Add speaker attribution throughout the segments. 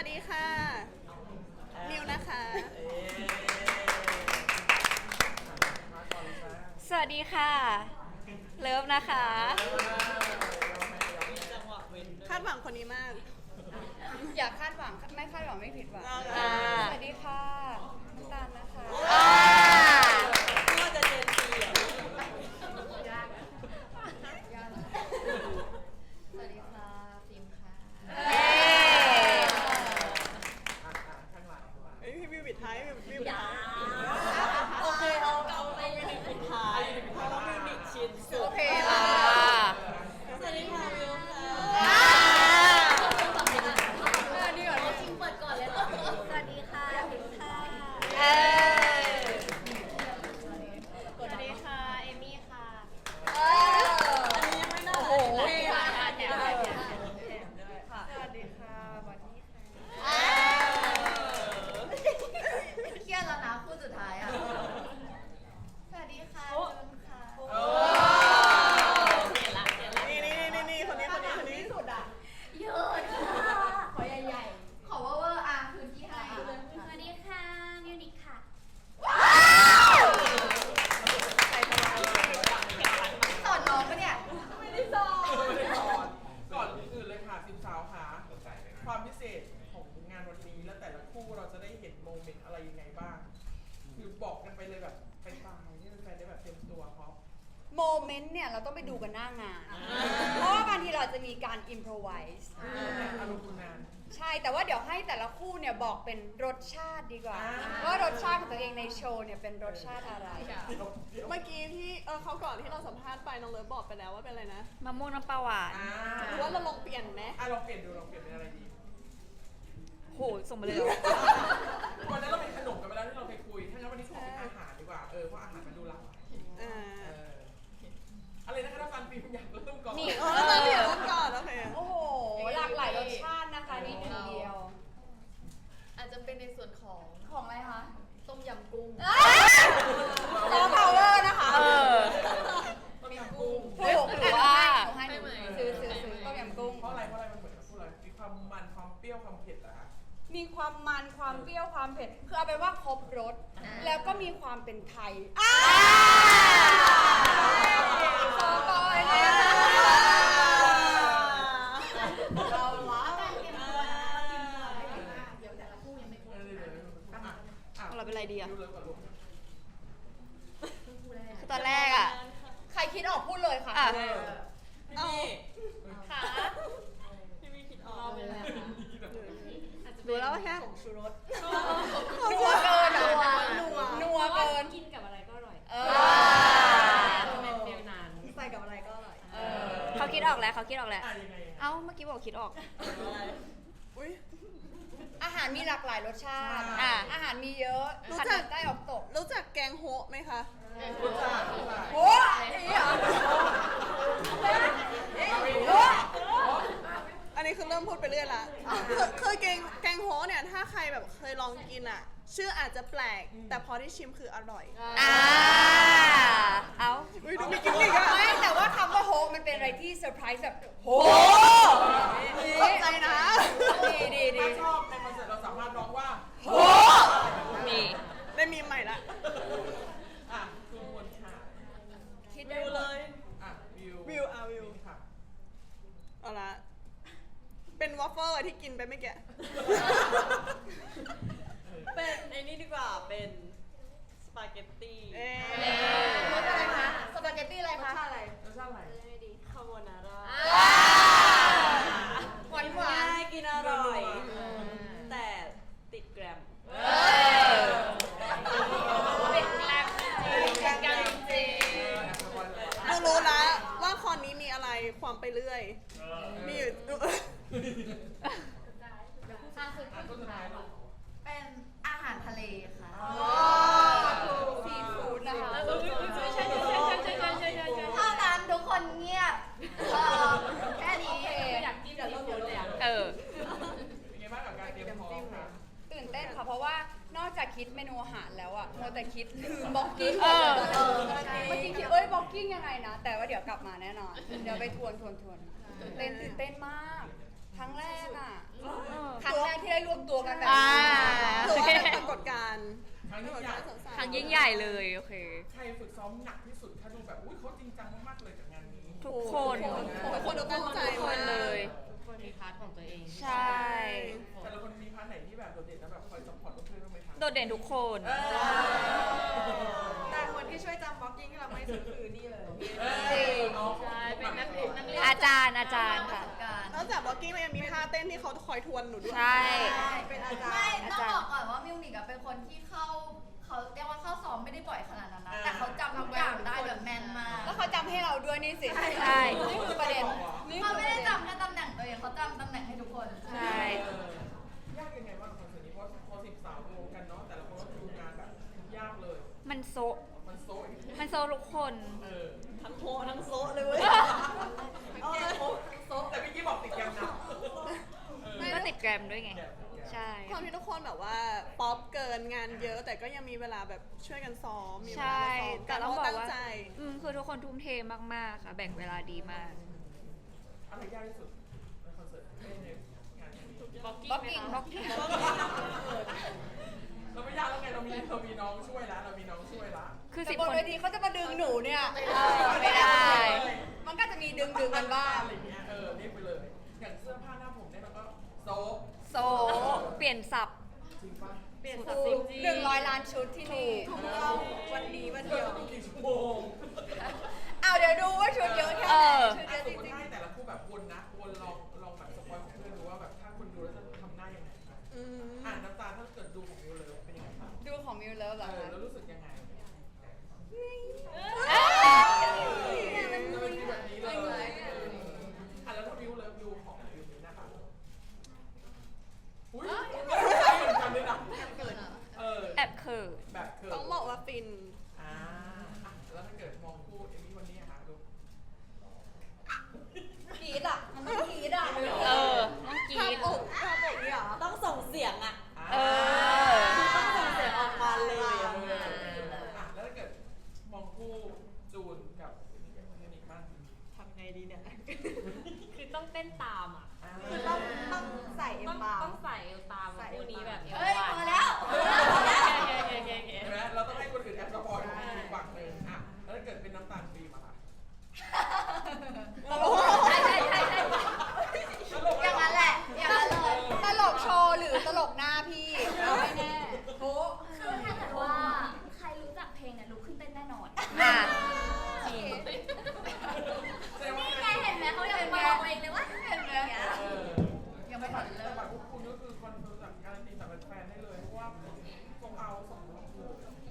Speaker 1: ดีค่ะ นิวนะคะ
Speaker 2: สวัสดีค่ะ เลิฟนะคะ
Speaker 1: คาดหวังคนนี้มาก
Speaker 3: อยากคาดหวังไม่คาดหวังไม่ผิดหวัง
Speaker 2: อ่า
Speaker 3: สวัสดีค่ะน้ำตาลนะคะ
Speaker 1: ก็จะเจนซีอ่ะ
Speaker 3: สวัสดีค่ะฟิล์มค่ะ
Speaker 1: พี่วิวปิดท้ายวิวปิดท้าย
Speaker 3: โอเคเอาไป
Speaker 1: ปิดท้ายเพราะว่าวิวมิกชินสุ
Speaker 3: โอ
Speaker 1: ด
Speaker 3: เค
Speaker 2: อ่า
Speaker 1: สวัสดีค่ะวิวค่ะ
Speaker 3: ดีกว่าจริงเปิดก่อนเลยสวัสดีค่ะฟิล์มค่ะ
Speaker 2: เออ
Speaker 3: สวัสดีค่ะเอมี่ค่ะ
Speaker 1: อันนี้ยังไม่น่า
Speaker 3: โอ้โห
Speaker 1: เลย
Speaker 3: แถมค่ะสวัสดีค่ะบอดี้ค่ะเครียดแล้วนะคู่สุดท้ายอ่ะสวัสดีค่ะจุนค่ะ
Speaker 1: นี่คนนี้สุดอ่ะ
Speaker 3: เยอะค่ะขอใหญ่ๆขอเวอร์อ่ะพื้นที่ให้สวัสดีค่ะมิวนิคค่ะ สอนน้องปะเนี่ย ไม่ได้สอน
Speaker 4: ก่อนอื่นเลยค่ะสิบสาวค่ะความพิเศษของงานวันนี้แล้วแต่ละคู่เราจะได้เห็นโมเมนต์อะไรยังไงบ้างหรือบอกกันไปเลยแบบไปตายให้แฟนๆได้แบบเต็มตัวเขา
Speaker 3: โมเมนต์เนี่ยเราต้องไปดูกันหน้างาน เพราะว่าบางทีเราจะมีการอิมพรไวส์
Speaker 4: อารมณ์คุณนาน
Speaker 3: ใช่ แต่ว่าเดี๋ยวให้แต่ละคู่เนี่ยบอกเป็นรสชาติดีกว่า
Speaker 4: อ่า
Speaker 3: ว่ารสชาติของตัวเองในโชว์เนี่ยเป็นรสชาติอะไร
Speaker 1: เมื่อกี้ที่เขาก่อนที่เราสัมภาษณ์ไปน้องเลิฟบอกไปแล้วว่าเป็นอะไรนะ
Speaker 2: มะม่วงน้ำปลาหวาน
Speaker 1: หรือว่าเราลองเปลี่ยนไหม
Speaker 4: ลองเปลี่ยนดูลองเปลี่ยนเป็นอะไรดี
Speaker 2: โห ส่งมาเลยเหรอ
Speaker 4: วันนั้นเราเป็นขนมกันไปแล้วที่เราไปคุยถ้างั้นวันนี้ขอเป็นอาหารดีกว่าเพราะอาหารมันดูหลากหลาย
Speaker 1: อ่า
Speaker 4: อะไรนะคะถ้าฟันฟิล์มอยากเริ่มก่อน
Speaker 3: นี่
Speaker 1: เราเปลี่ยนเริ่มก่อนโอเค
Speaker 3: โอ้โห หลากหลายรสชาตินะคะนี่หนึ่งเดียว
Speaker 5: อาจจะเป็นในส่วนของ
Speaker 3: ของอะไรคะ
Speaker 5: ต้มยำกุ้ง
Speaker 3: ซอฟต์พาวเวอร์นะคะ
Speaker 2: เออ
Speaker 4: มีกุ้ง
Speaker 3: ถูก
Speaker 2: หรือว่า
Speaker 3: หนูให้หนูซื้อต้มยำกุ้ง
Speaker 4: เพราะอะไรมันเหมือนกับพูดอะไรมีความมันความเปรี้ยวความเผ็ดอะคะ
Speaker 3: มีความมันความเปรี้ยวความเผ็ด คือเอาไปนว่าครบรส แล้วก็มีความเป็นไทยโซบอยเนี่ยเราละ
Speaker 5: เดี๋ยวแต่ละคู่ยังไม่ครบ
Speaker 2: เราเป็นอะไรดีอะ
Speaker 4: ดูเลยก่อนลูก
Speaker 5: คู่แรก
Speaker 2: คือตอนแรกอะ
Speaker 3: ใครคิดออกพูดเลยค่ะ
Speaker 2: อ่ะ
Speaker 1: เอา
Speaker 3: ค่ะ
Speaker 5: รอเป็นอะไรคะอาจจะ
Speaker 1: ดูแล้วแค่
Speaker 5: ผงชูรส
Speaker 3: นัวเกิน
Speaker 1: นัว
Speaker 3: เกิน
Speaker 5: กินกับอะไรก็อร่อย
Speaker 3: เออ
Speaker 5: เป็นเปรี้ยวนาน
Speaker 3: ใส่กับอะไรก็อร่อย
Speaker 2: เขาคิดออกแล้วเขาคิดออกแล้ว
Speaker 4: ยังไง
Speaker 2: เอ้า เมื่อกี้บอกคิดออก
Speaker 1: อุ้ย
Speaker 3: อาหารมีหลากหลายรสชาติ
Speaker 2: อ่ะ
Speaker 3: อาหารมีเยอะ
Speaker 1: รู้
Speaker 3: ผัด
Speaker 1: จัก
Speaker 3: ใต้ออกตก
Speaker 1: รู้จักแกงโฮะไหมคะ
Speaker 4: รู้จัก
Speaker 3: โอ้ยเหรอโอ้ย
Speaker 1: อันนี้คือเริ่มพูดไปเรื่อยละคือแกงโฮะเนี่ยถ้าใครแบบเคยลองกินอ่ะ ชื่ออาจจะแปลก แต่พอที่ชิมคืออร่อย
Speaker 2: อ่า เอ้า
Speaker 1: อุ้ยดูมีกิมมิกอ่ะ
Speaker 3: ไม่แต่ว่าคำว่าโฮกมันเป็นอะไรที่เซอร์ไพรส์แบบโฮ
Speaker 1: ขอบใจนะ
Speaker 3: ดี
Speaker 4: ถ้าชอบในคอนเสิร์ตเราสามารถร้องว่า
Speaker 3: โฮ
Speaker 2: มี
Speaker 1: ได้มีใหม่ละ
Speaker 4: ทุกคนค่ะ
Speaker 3: คิดได้เลย
Speaker 4: วิว
Speaker 1: วิว
Speaker 4: ค่ะ
Speaker 1: เอาละ เป็นวอฟเฟิลที่กินไปเมื่อกี้
Speaker 6: เป็นไอ้นี่ดีกว่า เป็นสปาเกตตี้
Speaker 1: เอ๊ะ
Speaker 3: รสอะไรคะสปาเกตตี้อะไรคะ
Speaker 4: รสชาติอะไร
Speaker 6: คาโบนาร่า
Speaker 3: หวานหวาน
Speaker 6: ง่ายกินอร่อย แต่ติดแกรม
Speaker 3: เป็นแกลมจริง
Speaker 1: เรารู้แล้วว่าคอนนี้มีอะไรความไปเรื่อย มีอยู่
Speaker 4: ต้นท้ายลูก
Speaker 5: เป็นอาหารทะเลค่ะ
Speaker 3: ซีฟู้ดนะคะ
Speaker 5: เท่านั้นทุกคนเงียบแค่นี้
Speaker 3: อยากกินเดี๋ยวเราเลย
Speaker 2: เออ
Speaker 4: เป็นไงบ้างกับการเตรียมพร้อมคะ
Speaker 3: ตื่นเต้นค่ะ เพราะว่านอกจากคิดเมนูอาหารแล้วอะโมวแต่คิดลืมบล็อกกิ้ง
Speaker 2: เออ
Speaker 3: เมื่อกี้คิดบล็อกกิ้งยังไงนะ แต่ว่าเดี๋ยวกลับมาแน่นอน เดี๋ยวไปทวนตื่นเต้นมากครั้งแรกอ่ะ
Speaker 2: เออ
Speaker 3: ครั้งแรกที่ได้รวมตัวกันแบบ
Speaker 2: อ่า
Speaker 1: ถือว่าเป็นปรากฏการณ์
Speaker 4: ครั้ง
Speaker 1: ป
Speaker 4: นี้
Speaker 1: รากฏ
Speaker 4: ใหญ่
Speaker 1: การณ์สาวๆ
Speaker 2: ครั้งยิ่งใหญ่เลยโอเค
Speaker 4: ใครฝึกซ้อมหนักที่สุดถ้าดูแบบอุ้ยเขาจริงจังมากๆเลยกับงานนี้
Speaker 2: ทุกคน
Speaker 1: ทุกคนตั้งใจ
Speaker 2: ทุกคน
Speaker 1: มาก
Speaker 2: เลย
Speaker 5: ทุกคนมีพาร์ทของตัวเอง
Speaker 2: ใช่
Speaker 4: แต่ละคนมีพาร์ทไหนที่แบบโดดเด่นแล้วแบบคอยซัพพอร์ตเพื่อนๆบ้างไหมคะ
Speaker 2: โดดเด่นทุกคน
Speaker 6: แต่คนที่ช่วยจำบล็อกกิ้งให้เราไม่สุดคือนี่เลย
Speaker 4: จริง
Speaker 5: ใช่เป็นนักเรียน
Speaker 2: อาจารย์ค่ะ
Speaker 1: นอกจากบล็อกกิ้งเรายังมีท่าเต้นที่เขาคอยทวนหนูด้วย
Speaker 2: ใช่
Speaker 6: เป็นอาจาร
Speaker 3: ไม่
Speaker 6: ย์
Speaker 3: ต้องบอกก่อนว่ามิวนิกอะเป็นคนที่เขาเรียกว่าเข้าซ้อมไม่ได้บ่อยขนาดนั้นนะแต่เขาจำทุกอย่างได้แบบแม่นมาก
Speaker 6: แล้วเขาจำให้เราด้วยนี่สิ
Speaker 2: ใช่
Speaker 6: นี่คือประเด็น
Speaker 3: เขาไม่ได้จำแค่ตำแหน่งตัวเองเขาจำตำแหน่งให้ทุกคน
Speaker 2: ใช่
Speaker 4: ยากยังไงบ้างคอนเสิร์ตนี้เพราะพอ10 สาวรวมกันเนาะแต่ละคนก็ดูงานแบบยากเลย
Speaker 2: มันโซะ
Speaker 4: มันโซ่
Speaker 2: มันโซะทุกคน
Speaker 5: ทั้งโฮทั้งโซะเลยเว้ย
Speaker 4: แต่พี่กี้บอกติดกันนะ
Speaker 2: ก็ติดแกรมด้วยไง ใช่
Speaker 1: ความที่ทุกคนแบบว่าป๊อปเกินงานเยอะแต่ก็ยังมีเวลาแบบช่วยกันซ้อมมีเว
Speaker 2: ใช่
Speaker 1: ลาซ้อม
Speaker 2: แต่
Speaker 1: กัน
Speaker 2: ต้อง
Speaker 1: เพ
Speaker 2: บ
Speaker 1: ราะ
Speaker 2: อก
Speaker 1: ตั้ง
Speaker 2: ว่า
Speaker 1: ใจ
Speaker 2: คือทุกคนทุ่มเทมากๆค่ะ แบ่งเวลาดีมาก
Speaker 4: อะไรยากที่สุดในคอนเสิร์ตในงานนี้
Speaker 5: บล็อก
Speaker 3: บล็อก
Speaker 5: กิ้
Speaker 3: กิ้
Speaker 5: ง
Speaker 3: ง
Speaker 5: ไหม
Speaker 3: บล็
Speaker 5: คะ
Speaker 3: อกกิ้ง
Speaker 4: เราไม่ยากแล้วไงเรามีน้องช่วยแล้วเรามีน้องช่วยละ
Speaker 2: คือ
Speaker 6: แต่
Speaker 2: สิบบ
Speaker 6: น
Speaker 2: คน
Speaker 6: เวทีเขาจะมาดึงหนูเนี่ย
Speaker 2: ไม่ได้
Speaker 6: มันก็จะมีดึงกันบ้าง
Speaker 4: อะไรอย่างเงี้ยเรียกไปเลย อย่างเสื้อผ้าหน้าผมเนี่ยเราก็โซะ
Speaker 2: โซะเปลี่ยนสับ
Speaker 4: จริงป่ะ
Speaker 5: เปลี่ยนสับจริง
Speaker 6: 100 ล้านชุดที่นี่วันนี้วันเดียว
Speaker 4: กี่ชั่วโมง
Speaker 6: เอาเดี๋ยวดูว่าชุดเยอะแค่ไหนชุดเยอะ
Speaker 4: ส
Speaker 6: จ
Speaker 4: มมติ
Speaker 6: ริง
Speaker 4: ให้แต่ละคู่แบบวนนะวนลองแบบสปอยของเพื่อนดูว่าแบบถ้าคุณดูแล้วจะทำหน้ายังไง
Speaker 1: อืม
Speaker 4: น้ำตาถ้าเกิดดูของมิวเลยเป็นยังไงบ้าง
Speaker 6: ๆดูของมิวเลิฟเหรอคะ
Speaker 4: แล้วรู้สึกยังไง
Speaker 2: เอ้ย
Speaker 4: จะเป็นแบบนี้เลยแล้วถ้ามิวเลิฟดูของมิวนี้นะคะอุ้ยเหมือนกันเลยนะ
Speaker 2: แอบเขิน
Speaker 4: แบบเกิด
Speaker 1: ต้องบอกว่าฟิน
Speaker 4: แล้วถ้าเกิดมองคู่เอมี่วันนี้อะคะลูก
Speaker 6: กรีดอ่ะมันต้องกรีดอ่ะ
Speaker 2: ต้องกรี
Speaker 1: ภาพ
Speaker 2: ด
Speaker 1: อกภาพอกนี่เหรอ
Speaker 5: ต้องส่งเสียงอ่ะ
Speaker 2: เออ
Speaker 5: ต้องส่งเสียงออกมาเลย
Speaker 4: แล้วถ้าเกิดมองคู่จูนกับเทนิกบ้าง
Speaker 5: ทำไงดีเนี่ย คือต้องเต้นตามอ่ะ
Speaker 6: คือต้องใส่เอ็มบาร์
Speaker 5: ต้องใส่เอวตามคู่นี้แบบ
Speaker 3: เฮ้ยพอแล้ว
Speaker 5: โอเค
Speaker 4: เห็นไหมเราต้องให้คนอื่นแอบสปอยล์อีกฝั่งหนึ่งแล้วถ้าเกิดเป็นน้ำตาลฟิล์มอะค่ะ
Speaker 3: ใช่อย่างนั้นแหละอย่างนั้นเลย
Speaker 6: ตลกโชว์หรือตลกหน้าพี่เอาไม่แน่โอ้
Speaker 3: คือถ้าเกิดว่าใครรู้จักเพลงเนี่ยลุกขึ้นเต้นแน่นอน
Speaker 2: อ่ะ
Speaker 3: จริงนี่ไงเห็นไหมเขายังมาบอกเองเลยว่าเห็นไหมยังไม่ทันเริ่ม
Speaker 4: บัตรพวกคุณก็คือคอนเฟิร์มจากการันตีจากแฟนได้เลยเพราะว่าทรงเอา2 รอบเลย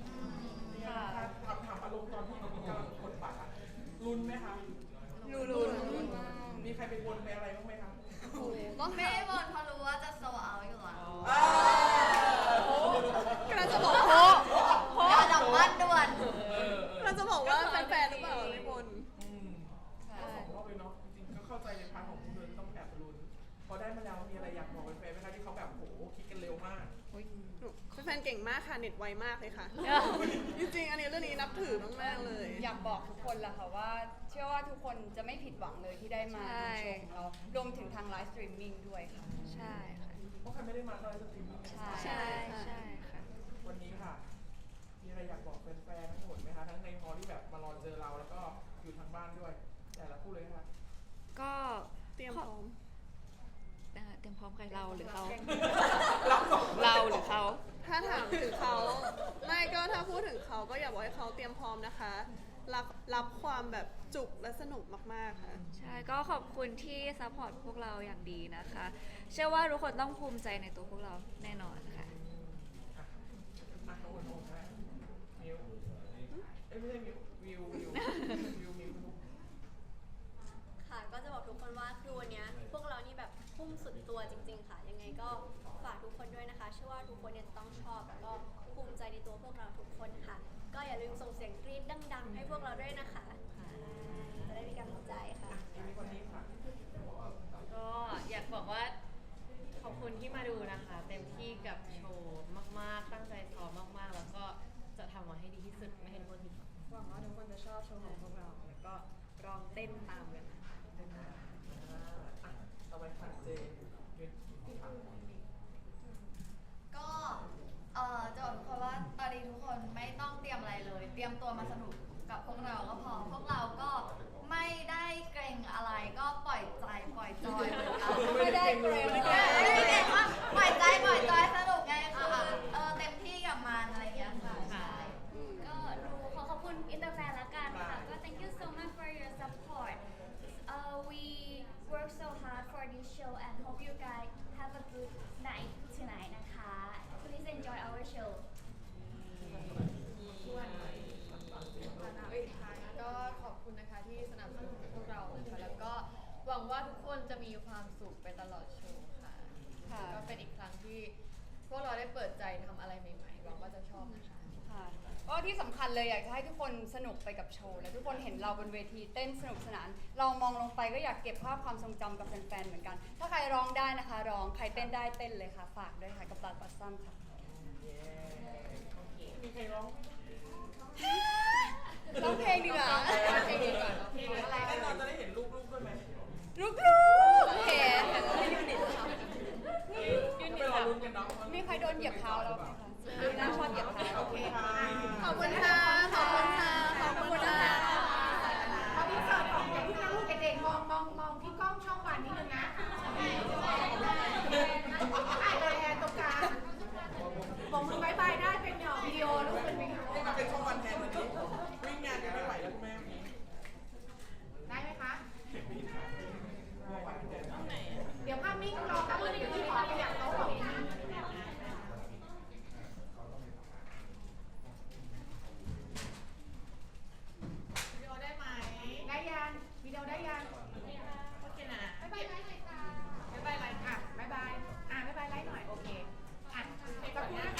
Speaker 4: ถามอารมณ์ตอนที่กำลังกดบัตรลุ้นไหมคะ
Speaker 6: ลุ้น
Speaker 4: มีใครไปวนไปอะไรบ้างไหมคะ
Speaker 1: ต้อง
Speaker 3: ไม่ได้บนเพราะรู้ว่าจะโซเอาอยู่แล้ว
Speaker 1: กำลังจะบอก
Speaker 3: กระดับบ้านด่วน
Speaker 1: กำลังจะบอกว่าแฟนๆหรือเปล่าไม่บน
Speaker 4: ก็2 รอบเลยเนาะจริงๆก็เข้าใจในพาร์ทของคุณเลยต้องแอบลุ้นพอได้มาแล้วมีอะไรอยากบอกแฟนๆไหมคะที่เขาแบบโหคิดกันเร็วมาก
Speaker 1: แฟนๆเก่งมากค่ะเน็ตไวมากเลยค่ะ จริงๆอันนี้เรื่องนี้นับถือมากๆเลย
Speaker 6: อยากบอกทุกคนแหละค่ะว่า เชื่อว่าทุกคนจะไม่ผิดหวังเลยที่ได้มาดูโชว์ของเรารวมถึงทางไลฟ์สตรีมมิ่งด้วยค่ะ
Speaker 2: ใช่ค่ะ
Speaker 4: เพราะใครไม่ได้มาก็เลยจะทีม
Speaker 2: ใช่ค่ะ
Speaker 4: วันนี้ค่ะ มีอะไรอยากบอกแฟนๆทั้งหมดไหมคะทั้งในฮอลที่แบบมารอเจอเราแล้วก็อยู่ทางบ้านด้วย แต่ละคู่เลยค่ะ
Speaker 2: ก็
Speaker 1: เตรียมพร้อม
Speaker 2: เตรียมพร้อมใครเราหรือเขา
Speaker 4: เราสอง
Speaker 2: เราหรือเขา
Speaker 1: ถ้าถามถึงเขาไม่ก็ถ้าพูดถึงเขาก็อยากบอกให้เขาเตรียมพร้อมนะคะ รับความแบบจุกและสนุกมากๆค่ะ
Speaker 2: ใช่ก็ขอบคุณที่ซัพพอร์ตพวกเราอย่างดีนะคะ เชื่อว่าทุกคนต้องภูมิใจในตัวพวกเราแน่นอนค่ะ
Speaker 4: ข้างบนโอ่งได้มิวไม่ใช่มิวมิวลูก
Speaker 7: ค่ะก็จะบอกทุกคนว่าคือวันนี้พวกเรานี่แบบพุ่งสุดตัวจริงๆค่ะ ยังไงก็ฝากทุกคนด้วยนะคะเชื่อว่าทุกคนเนี่ยต้องชอบแล้วก็ภูมิใจในตัวพวกเราทุกคนค่ะ ก็อย่าลืมส่งเสียงกรี๊ดดังๆให้พวกเราด้วยนะคะจะได้มีกำลังใจค่ะ
Speaker 4: มีคนนี้ค่ะ
Speaker 5: ก็อยากบอกว่าขอบคุณที่มาดูนะคะ เต็มที่กับโชว์มากๆ ตั้งใจซ้อมมากๆ แล้วก็จะทำมาให้ดีที่สุดไม่ให้ทุกคนผิดหวัง
Speaker 6: หวังว่าทุกคนจะชอบโชว์ของพวกเราแล้วก็ลองเต้นตามกัน
Speaker 4: ต่อไปค่ะเจน
Speaker 3: เกรงว่าปล่อยใจปล่อยจอยสนุกไงคือเต็มที่กับมันอะไรอย่างเงี้ยค่ะใช่
Speaker 7: ก็ขอขอบคุณอินเตอร์แฟนละกันค่ะก็ thank you so much for your support we work so hard for this show and hope you guys have a good night tonight นะคะ please enjoy our show
Speaker 5: ก็ขอบคุณนะคะที่สนับสนุนพวกเรานะคะแล้วก็หวังว่าทุกคนจะมีความสุขไปตลอดโชว์ค่ะ
Speaker 6: ค่ะ
Speaker 5: ก็เป็นอีกครั้งที่พวกเราได้เปิดใจทำอะไรใหม่ๆหวังว่าจะชอบนะคะ
Speaker 6: ค่ะก็ที่สำคัญเลยอยากจะให้ทุกคนสนุกไปกับโชว์และทุกคนเห็นเราบนเวทีเต้นสนุกสนาน เรามองลงไปก็อยากเก็บภาพความทรงจำกับแฟนๆเหมือนกัน ถ้าใครร้องได้นะคะร้องใครเต้นได้เต้นเลยค่ะฝากด้วยค่ะกับปลาปัสซัมค่ะ
Speaker 4: มีใครร้องไหม
Speaker 6: ร้องเพลงดีกว่า
Speaker 5: เพลงดีกว่าเนอะ
Speaker 4: เพลงอะไรแน่นอนจะได้เห็นลูกๆด้วยไหม
Speaker 6: ลูกๆเห็น
Speaker 4: ไปรอลุ้นกันเนาะ
Speaker 6: มีใครโดนเหยียบเท้าเราไหมคะดูน่าชอบเหยียบเท้า
Speaker 4: โอเคค่ะ
Speaker 1: ขอบคุณค่ะ ขอบคุณค่ะ ขอบคุณค่ะ
Speaker 3: พอพี่เสิร์ฟของเด็กที่ลูกเด็กๆมองที่กล้องช่องวันนิดนึงนะ